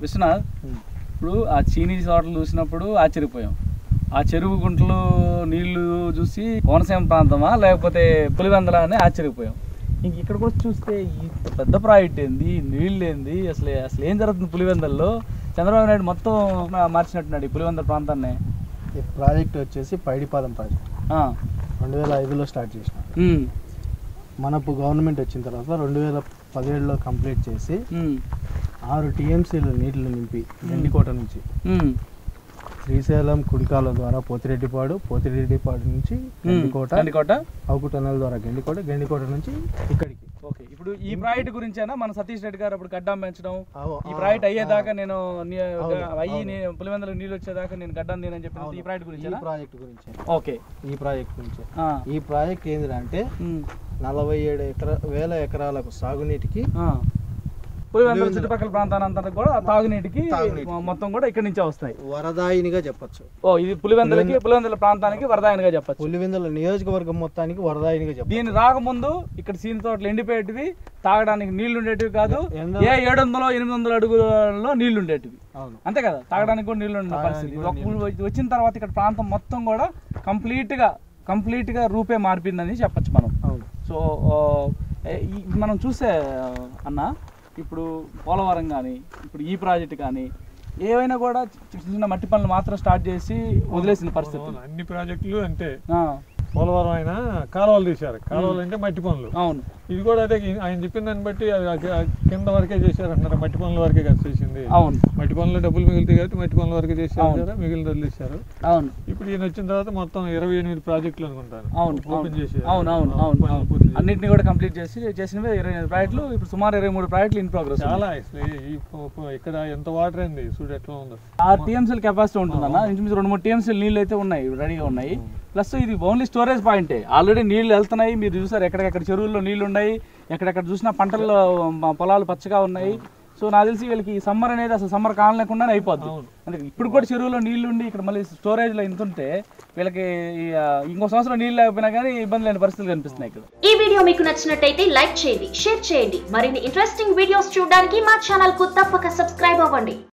విశ్వనాథ్, ఇప్పుడు ఆ చీనీ తోటలు చూసినప్పుడు ఆశ్చర్యపోయాం. ఆ చెరువు గుంటలు నీళ్లు చూసి కోనసీమ ప్రాంతమా లేకపోతే పులివెందల అని ఆశ్చర్యపోయాం. ఇంక ఇక్కడికి వచ్చి చూస్తే ఈ పెద్ద ప్రాజెక్ట్ ఏంది, నీళ్ళు ఏంది, అసలు ఏం జరుగుతుంది పులివెందల్లో? చంద్రబాబు నాయుడు మొత్తం మార్చినట్టున్నాడు ఈ పులివెందల ప్రాంతాన్ని. ఈ ప్రాజెక్ట్ వచ్చేసి పైడిపాలెం ప్రాజెక్ట్ 2005లో స్టార్ట్ చేసిన. మనకు గవర్నమెంట్ వచ్చిన తర్వాత 2017లో కంప్లీట్ చేసి 6 టీఎంసీలు నీళ్లు నింపి గండికోట నుంచి శ్రీశైలం కుడికాల ద్వారా పోతిరెడ్డిపాడు నుంచి గండికోట అవుకు టనల్ ద్వారా గండికోట నుంచి ఇక్కడికి. ఓకే, ఇప్పుడు ఈ ప్రాజెక్ట్ గురించేనా మన సతీష్ రెడ్డి గారు అప్పుడు గడ్డం పెంచడం, ఈ ప్రాజెక్ట్ అయ్యేదాకా నేను పులివెందులకు నీళ్ళు వచ్చేదాకా నేను గడ్డం నేనని చెప్పి ఈ ప్రాజెక్ట్ గురించి ఓకే ఈ ప్రాజెక్ట్ గురించి ఈ ప్రాజెక్ట్ ఏంటంటే 47,000 ఎకరాలకు సాగునీటికి పులివెందుల చుట్టుపక్కల ప్రాంతానంతా కూడా తాగునీటికి మొత్తం కూడా ఇక్కడ నుంచే వస్తాయి. వరదాయినిగా చెప్పచ్చు. ఇది పులివెందుల ప్రాంతానికి వరదాయినిగా చెప్పచ్చు. పులివెందుల నియోజకవర్గం మొత్తానికి వరదాయినిగా చెప్పచ్చు. దీని రాకముందు ఇక్కడ సీని తోటలు ఎండిపోయేటివి, తాగడానికి నీళ్లు ఉండేటివి కాదు. 700-800 అడుగులలో నీళ్లు ఉండేటివి, అంతే కదా, తాగడానికి కూడా నీళ్లు ఉండే పరిస్థితి. వచ్చిన తర్వాత ఇక్కడ ప్రాంతం మొత్తం కూడా కంప్లీట్ గా రూపే మారిపోయిందని చెప్పచ్చు మనం. సో మనం చూసే అన్న, ఇప్పుడు పోలవరం కానీ ఇప్పుడు ఈ ప్రాజెక్ట్ కానీ ఏవైనా కూడా చిన్న మట్టి పనులు మాత్రం స్టార్ట్ చేసి వదిలేసిన పరిస్థితి. అన్ని ప్రాజెక్టులు అంటే పోలవరం అయినా కాలువలు తీశారు, కాలువలు అంటే మట్టి పనులు. అవును, ఇది కూడా అదే ఆయన చెప్పిన దాన్ని బట్టి కింద వరకే చేశారు అంటారు, మట్టి పనుల వరకే కదా చేసింది. అవును, మట్టి పనులు డబ్బులు మిగులుతాయి కాబట్టి మట్టి పనుల వరకే చేశారు, మిగిలిన వదిలేశారు. అవును, ఇప్పుడు ఈయన వచ్చిన తర్వాత మొత్తం 28 ప్రాజెక్టులు అనుకుంటాను. అవును, ఓపెన్ చేసి అన్నింటినీ కూడా కంప్లీట్ చేసినవి 28 ప్రాజెక్టులు. ఇప్పుడు సుమారు 23 ప్రాజెక్టులు ఇన్ ప్రోగ్రెస్. చాలా ఇక్కడ ఎంత వాటర్ అయింది చూడు ఎట్లా ఉందో. 6 టీఎంసీల కెపాసిటీ ఉంటుందన్న. ఇంచుమించు 2-3 టీఎంసీలు నీళ్ళు అయితే ఉన్నాయి, రెడీగా ఉన్నాయి. ప్లస్ ఇది ఓన్లీ స్టోరేజ్ పాయింటే, ఆల్రెడీ నీళ్లు వెళ్తున్నాయి. మీరు చూసారు ఎక్కడెక్కడ చెరువుల్లో నీళ్లు ఉన్నాయి, ఎక్కడెక్కడ చూసినా పంటల్లో పొలాలు పచ్చగా ఉన్నాయి. సో నాకు తెలిసి వీళ్ళకి సమ్మర్ అనేది అసలు సమ్మర్ కాలలేకుండానే అయిపోద్ది. అందుకే ఇప్పుడు కూడా చెరువులో నీళ్లు ఉండి ఇక్కడ మళ్ళీ స్టోరేజ్లో ఇంత ఉంటే వీళ్ళకి ఇంకో సంవత్సరం నీళ్ళు లేకపోయినా కానీ ఇబ్బంది లేని పరిస్థితులు కనిపిస్తున్నాయి ఇక్కడ. ఈ వీడియో మీకు నచ్చినట్టయితే లైక్ చేయండి, షేర్ చేయండి. మరిన్ని ఇంట్రెస్టింగ్ వీడియోస్ చూడడానికి మా ఛానల్ కు తప్పక సబ్స్క్రైబ్ అవ్వండి.